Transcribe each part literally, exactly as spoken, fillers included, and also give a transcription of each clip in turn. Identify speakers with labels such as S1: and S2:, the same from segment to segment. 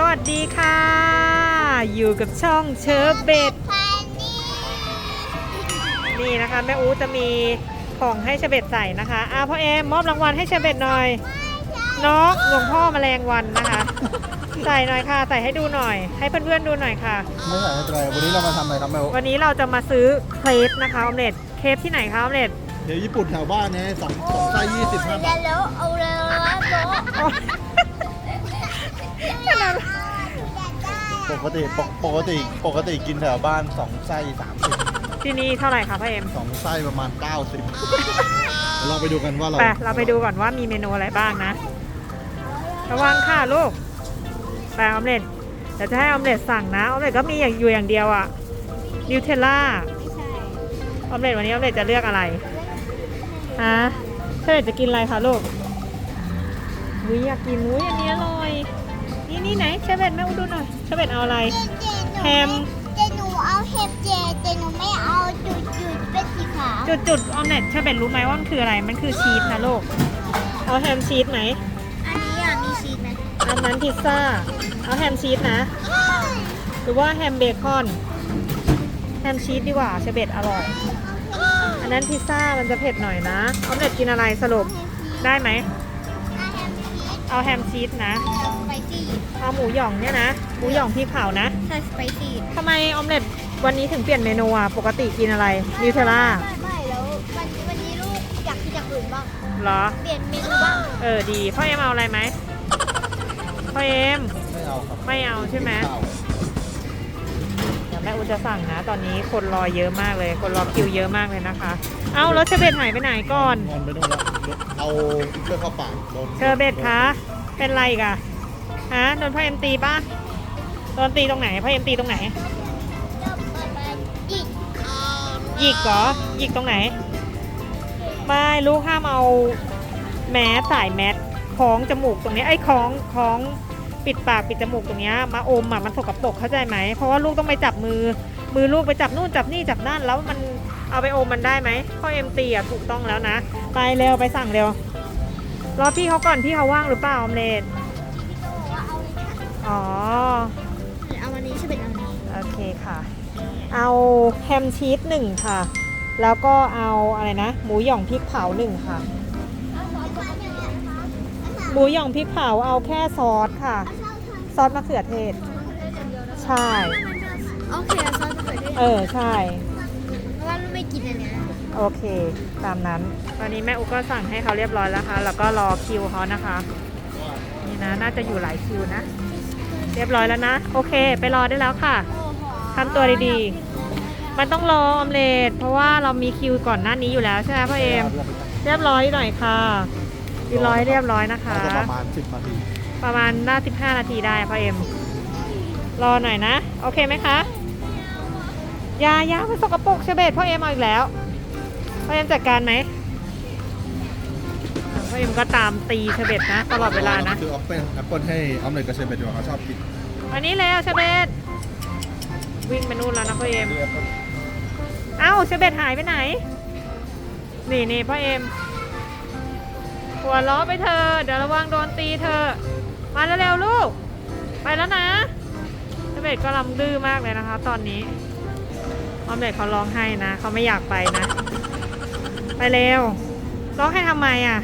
S1: วัสดีค่ะอยู่กับช่องเชอร์เบตนี่นะคะแม่อูจะมีของให้เชอร์เบตใส่นะคะอ่ะพ่อเอ็มมอบรางวัลให้เชอร์เบตหน่อยน้องหลวงพ่อแมลงวันนะคะใส่หน่อยค่ะใส่ให้ดูหน่อยให้เพื่อนๆดูหน่อยค่ะ
S2: ไม่ใส่ไม่เป็นไรวันนี้เรามาทำอะไรครับแม่อู
S1: วันนี้เราจะมาซื้อเครปนะคะออมเล็ตเครปที่ไหนคะออมเล็ต
S2: เดี๋ยวญี่ปุ่นแถวบ้านเนี่ยสองสองไส้ยี่สิบห้าบาท
S3: แล้วเอาเลย
S2: ปกติปกติปกติกินแถวบ้านสองไส้สามสิบ
S1: ที่นี่เท่าไหร่คะพ่อเอ็ม
S2: สองไส้ประมาณเก้าสิบเราไปดูกันว่าเรา
S1: ไปเราไปดูก่อนว่ามีเมนูอะไรบ้างนะระวังค่ะลูกไปออมเล็ตเดี๋ยวจะให้ออมเล็ตสั่งนะออมเล็ตก็มีอย่างอยู่อย่างเดียวอะนิวเทลล่าออมเล็ตวันนี้ออมเล็ตจะเลือกอะไรฮะเชอร์เบตจะกินอะไรคะลูกอุ้ยอยากกินอุ้ยอันนี้อร่อยนี่นี่ไหนเชอร์เบตแม่อูดูหน่อยเชอร์เบตเอาอะไรแฮม
S3: เจหนูเอาเห็บเจเจหนูไม่เอาจุดจุดเป็นสีขาว
S1: จุดจุดออมเล็ตเชอร์เบตรู้ไหมว่ามันคืออะไรมันคือชีสนะลูกเอาแฮมชีสไหม
S3: อันนี้อ่ะมีชีสไหม
S1: อันนั้นพิซซ่าเอาแฮมชีสนะหรือว่าแฮมเบคอนแฮมชีสดีกว่าเชอร์เบตอร่อยอันนั้นพิซซ่ามันจะเผ็ดหน่อยนะออมเล็ตกินอะไรสรุปได้ไหมเอาแฮมชีสนะ
S3: สไปซี่
S1: เอาหมูหย่องเนี่ยนะหมูหย่องพริกเผานะ
S3: ใช่สไปซี่
S1: ทำไมออมเล็ตวันนี้ถึงเปลี่ยนเมนูอ่ะปกติกินอะไรนิวเทลล่า
S3: ไม่ไม่แล้ววันวันนี้ลูกอยากกินอย่างอื่นบ้าง
S1: เหรอ
S3: เปลี่ยนเมนูบ้าง
S1: เออดีพ่อเอ็มเอาอะไรไหมพ่อเอ็ม
S2: ไม่เอาครับ
S1: ไม่เอาใช่ไหมเดี๋ยวแม่อูจะสั่งนะตอนนี้คนรอเยอะมากเลยคนรอคิวเยอะมากเลยนะคะเอ้าแล้วเชอร์เบตหายไปไหนก่อน
S2: งอนไปนู่นแล้วเอาเชือกเข้าปากโดน
S1: เชอร์เบตคะเป็นไรกะฮะโดนพ่อเอ็มตีป่ะโดนตีตรงไหนพ่อเอ็มตีตรงไหน
S3: หยิก
S1: หยิกเหรอหยิกตรงไหนไม่ลูกห้ามเอาแมสสายแมสคล้องจมูกตรงนี้ไอ้คล้องคล้องปิดปากปิดจมูกตรงนี้มาอมอ่ะมันสกปรกเข้าใจไหมเพราะว่าลูกต้องไปจับมือมือลูกไปจับนู่นจับนี่จับนั่นแล้วมันเอาไปอมมันได้ไหมพ่อเอ็มตีอ่ะถูกต้องแล้วนะไปเร็วไปสั่งเร็วรอพี่เขาก่อนพี่เขาว่างหรือเปล่าออมเล็ตอ๋อ
S3: เอาวันนี้ใช่เป็นอันนี้
S1: โอเคค่ะเอาแฮมชีสหนึ่งค่ะแล้วก็เอาอะไรนะหมูหย่องพริกเผาหนึ่งค่ะหมูหย่องพริกเผาเอาแค่ซอสค่ะซอสมะเขือเทศใช่
S3: โอเคซอสมะเขือเทศ
S1: เออใช่
S3: เพราะว่าลูกไม่กินอันเนี้ย
S1: โอเคตามนั้นตอนนี้แม่อุ๊ก็สั่งให้เขาเรียบร้อยแล้วค่ะแล้วก็รอคิวเขานะคะนี่นะน่าจะอยู่หลายคิวนะเรียบร้อยแล้วนะโอเคไปรอได้แล้วค่ะทำตัวดีๆมันต้องรอออมเล็ตเพราะว่าเรามีคิวก่อนหน้านี้อยู่แล้วใช่ไหมพ่อเอ็มเรียบร้อยหน่อยค่ะดีร้อยเรียบร้อยนะคะ
S2: ประมาณสิบนาที
S1: ประมาณน่าสิบห้านาทีได้พ่อเอ็มรอหน่อยนะโอเคไหมคะยายามันสกปรกเชอร์เบตพ่อเอ็มเอาอีกแล้วพ่อเอ็มจัดการไหมพ่อเอ็มก็ตามตีเชอร์เบตนะตลอดเวลานะ
S2: คือแอปเปิ้ลแอปเปิ้ลให้ออมเล็ตกับเชอร์เบตดีกว่าเขาชอบกิน
S1: วันนี้แล้วเชอร์เบตวิ่งไปนู่นแล้วนะพ่อเอ็มเอ้าเชอร์เบตหายไปไหนนี่นี่พ่อเอ็มหัวล้อไปเธอเดี๋ยวระวังโดนตีเธอมาเร็วๆลูกไปแล้วนะเชอร์เบตก็ลำดื้อมากเลยนะคะตอนนี้ออมเล็ตเขาร้องไห้นะเขาไม่อยากไปนะไปเร็วร้องไห้ทำไมอ่ะ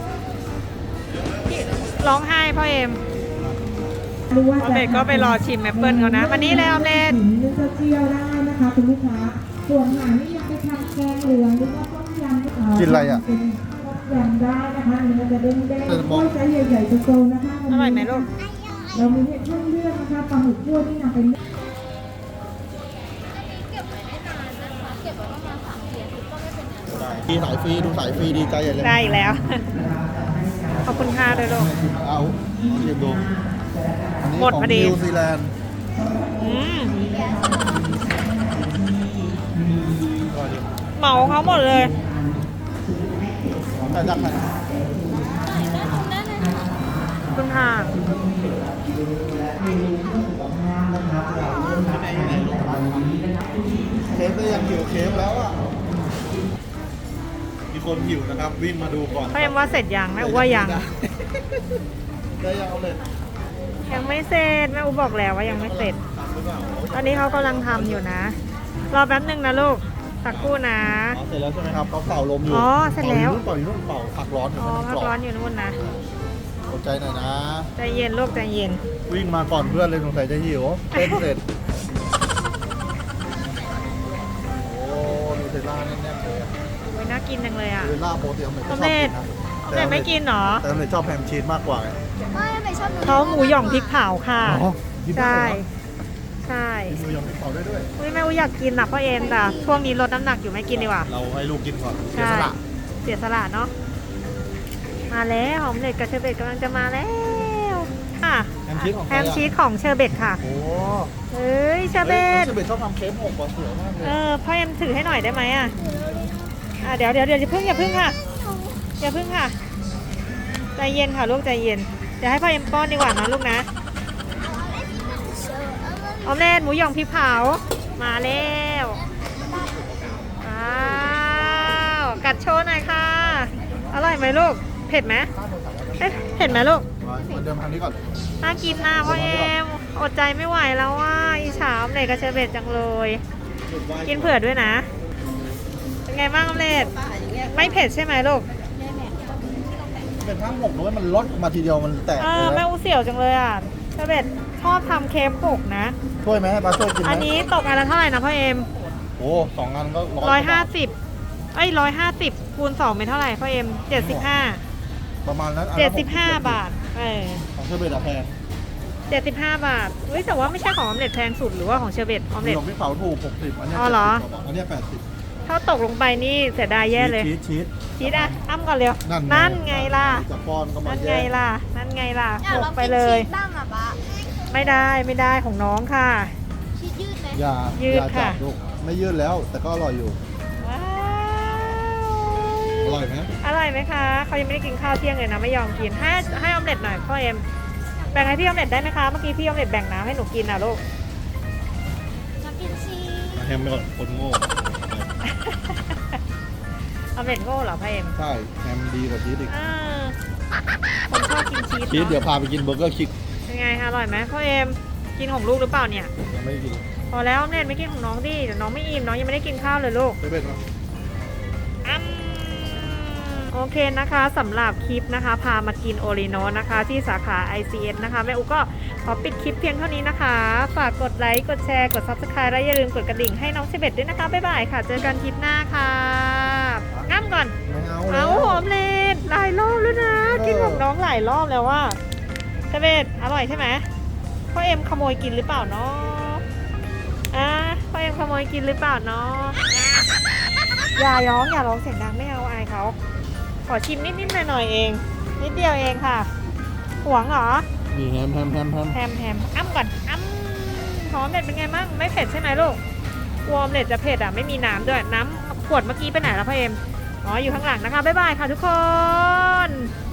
S1: ร้องไห้พ่อเอ็มออมเล็ตก็ไปรอชิมแอปเปิลเขานะวันนี้เลยออมเล็ต
S4: จะเจียวได้นะคะคุณลูกค้าส่วนหางนี่ยังไปทำแกงเหลืองหรือว่าต้มยำ
S2: กินอะไรอ่ะ
S4: ยำได้นะคะเนื้อจะเด้งๆก้อยไซส์ใหญ่ๆโตๆนะคะ
S1: อร่อยไหมลูก
S4: เรามีเห็ดเครื่องเลือกนะคะปลาหมึกคั่วที่นำเป็น
S2: ดีสายฟรีดูสายฟรีดีใจใหญ่เลย
S1: ได้อีกแล้วขอบคุณค่ะด้วยลูก
S2: เอาเรียบดู
S1: หมดพอดี
S2: นิวซีแลนด์
S1: เหมาเขาหมดเลย
S2: แต่จับไป
S1: คุณค่ะ
S2: เคฟได้ยังหิวเคฟแล้วอ่ะมีคนหิวนะครับวิ่งมาดูก่อน
S1: เขายังว่าเสร็จยังไหมว่ายัง
S2: ได้ยังเอาเลย
S1: ยังไม่เสร็จแม่อูบอกแล้วว่ายังไม่เสร็จ
S2: ทำหรือเปล่า
S1: ตอนนี้เขากำลังทำอยู่นะ รอแป๊บหนึ่งนะลูกสักครู่นะ
S2: อ๋อเสร็จแล้วใช่ไหมครับเขาเป่าลมอยู่
S1: อ๋อเสร็จแล้ว
S2: เป่าอยู่นู่นเป่าอยู่นู่นเป่าผักร้อนอยู่
S1: อ๋อ
S2: มัน
S1: พัก
S2: กรอบ
S1: ร้อนอยู่นู่นนะ
S2: อดใจหน่อยนะ
S1: ใจเย็นลูกใจเย็น
S2: วิ่งมาก่อนเพื่อนเลยสงสัยจะหิวเต้นเสร็จ โอ้นูเทลล่าแน่ๆเลยอะ
S1: โอ้ยน่ากินจังเลยอ่ะ
S2: นูเทลล่าโปรตีนอเมริก
S1: อ
S2: ก็
S1: อม
S2: ชอบ
S1: เล็
S2: กิ
S1: ต
S2: นนะ
S1: ออมเล็ตไม่กินเหรอ
S2: แต่ออมเล็ตชอบแฮมชีสมากกว่าไง
S3: ไม่ไม่ชอบ
S1: เขาหมูหย่องพริกเผาค่ะ
S2: อ๋อกินได้
S1: ใช่
S2: เหรอ
S1: ใช่
S2: กินหมูยองพริกเผาได้ด้วย
S1: อุ้ยแม่อูอยากกินนะพ่อเอ็มแต่ช่วงนี้ลดน้ำหนักอยู่ไม่กินดีกว่า
S2: เราให้ลูกกินก่อนเสีย
S1: ใช่
S2: สละ
S1: เสียสละเนาะมาแล้วหอมเล็ตกับเชอร์เบตกำลังจะมาแล้วค่ะ
S2: แฮมชีสของใค
S1: แฮ
S2: ร
S1: ม
S2: อะ
S1: ชีสของเชอร์เบตค่ะ
S2: โอ้
S1: เฮ้ยเชอร์เบ
S2: ฮ้ย
S1: ต
S2: น้องเชอร์เบตชอบทำเค้กหกกว่าสวยมากเลย
S1: เออพ่อเอ็มถือให้หน่อยได้ไหมอ่ะอ่ะเดี๋ยวเดี๋ยวเดี๋ยวอย่าเพิ่งอย่าเพิ่งค่ะอย่าเพิ่งค่ะใจเย็นค่ะลูกใจเย็นเดี๋ยวให้พ่อเอ็มป้อนดีกว่านะลูกนะออมเล็ตหมูหยองพริกเผามาแล้วว้าวกัดโชว์หน่อยค่ะอร่อยไหมลูกเผ็ดไหมเอ๊ะเผ็ดไหมลูก
S2: มาเหมือนเดิมทำนี้ก่อน
S1: น่ากินนะพ่อเอ็มอดใจไม่ไหวแล้วว่าอีฉาออมเล็ตกับเชอร์เบตจังเลย กินเผื่อด้วยนะ เป็นไงบ้างออมเล็ตไม่เผ็ดใช่ไหมลูก
S2: เป็นทั้งหกด้วยมันลดมาทีเดียวมันแตก
S1: เอ
S2: เล
S1: อย แม่
S2: นะ
S1: อูเสี่ยวจังเลยอ่ะเชอร์เบตชอบทำเค้กหกนะ
S2: ช่วยไหมให้ปลาช่วยกินไหม
S1: อันนี้ตกอันละเท่าไหร่นะพ่อเอ็ม
S2: โอ้สองอันก็
S1: ร้อยห้าสิบเอ้ยร้อยห้าสิบคูณสองเป็นเท่าไหร่พ่อเอ็มเจ็ดสิบห้า
S2: ประมาณนั้นอัน
S1: เจ็
S2: ละ
S1: ดสิบห้า
S2: หก
S1: บาทเออ
S2: ของเชอร์เบตอะแพง
S1: เจ็ดสิบห้าบาทเฮ้ยแต่ว่าไม่ใช่ของออมเล็ตแพงสุดหรือว่าของเชอร์เบตออม
S2: หมู
S1: เล็ต
S2: หยองพริกเผาถูกหกสิบอันเนี้ย
S1: อ๋อเหรอ
S2: เจ็ดสิบกว่าบาทอันเนี้ยแปดสิบ
S1: ถ้าตกลงไปนี่เสียดายแย่เลย
S2: ชีสชีส
S1: ชีสอ่ะอ้ำก่อนเร็ว
S2: นั่น
S1: นั่นไงล่ะ
S2: จะป้อนก็มา
S1: นั่น
S2: แย่
S1: ไงล่ะ นั่นไงล่ะ
S3: อยาก
S1: ห
S3: ล
S1: ก
S3: อง
S1: ไป
S3: กิน
S1: เลย
S3: ชีสบ้างอ่ะปะ
S1: ไม่ได้ไม่ได้ของน้องค่ะ
S3: ชีสยืดไหม
S2: อย่า
S1: ยืด
S2: อย่า
S1: ค่ะ
S2: จับลูกไม่ยืดแล้ว แต่ก็อร่อยอยู่
S1: ว้าว
S2: อร่อยไหม
S1: อร่อยไหมคะเขายังไม่ได้กินข้าวเที่ยงเลยนะไม่ยอมกินให้ให้ออมเล็ตหน่อยพ่อเอ็มแบ่งให้พี่ออมเล็ตได้ไหมคะเมื่อกี้พี่ออมเล็ตแบ่งน้ำให้หนูกินนะลูก
S3: อยากกินชีส
S2: แฮมไปก่อนคนโง่
S1: ออมเล็ตโง่เหรอพ่อเอ็ม
S2: ใช่แฮมดีกว่าชีสอีก
S1: เออคนชอบกินชีส
S2: ชีสเดี๋ยว
S1: เนาะ
S2: พาไปกินเบอร์เกอร์คิก
S1: เป็นไงคะอร่อยไหมพ่อเอ็มกินของลูกหรือเปล่าเนี่ย
S2: ยังไม่ได้กิน
S1: พอแล้วออมเล็ตไม่กินของน้องดิเดี๋ยวน้องไม่อิ่มน้องยังไม่ได้กินข้าวเลยลูก
S2: ไม่เป็นหรอ
S1: อืมโอเคนะคะสำหรับคลิปนะคะ พามากินโอริโนนะคะ ที่สาขา ไอ ซี เอส นะคะแม่อุก็ขอปิดคลิปเพียงเท่านี้นะคะ ฝากกดไลค์กดแชร์กด ซับสไครบ์ และอย่าลืมกดกระดิ่งให้น้องเชเบตด้วยนะคะ บ๊ายบายค่ะ เจอกันคลิปหน้าค่ะง่ำก่อน
S2: ไม่เอา
S1: เอา
S2: แล้ว
S1: หอมเลนหลายรอบแล้วนะ
S2: เออ
S1: กินของน้องหลายรอบแล้วว่าเชเบตอร่อยใช่ไหมพ่อเอ็มขโมยกินหรือเปล่าเนาะอ่ะพ่อเอ็มขโมยกินหรือเปล่าเนาะอย่าร้องอย่าร้องเสียงดังไม่เอาอายเขาขอชิมนิดๆหน่อยๆเอง นิดเดียวเองค่ะหวงเหรอ
S2: นี่แฮมแฮมแฮมแฮม
S1: แฮมแฮมอ้ำก่อนอ้ำหอมเล็ดเป็นไงบ้างไม่เผ็ดใช่ไหมลูกวอมเล็ดจะเผ็ดอ่ะไม่มีน้ำด้วยน้ำขวดเมื่อกี้ไปไหนแล้วพ่อเอ็มอ๋ออยู่ข้างหลังนะคะบ๊ายบายค่ะทุกคน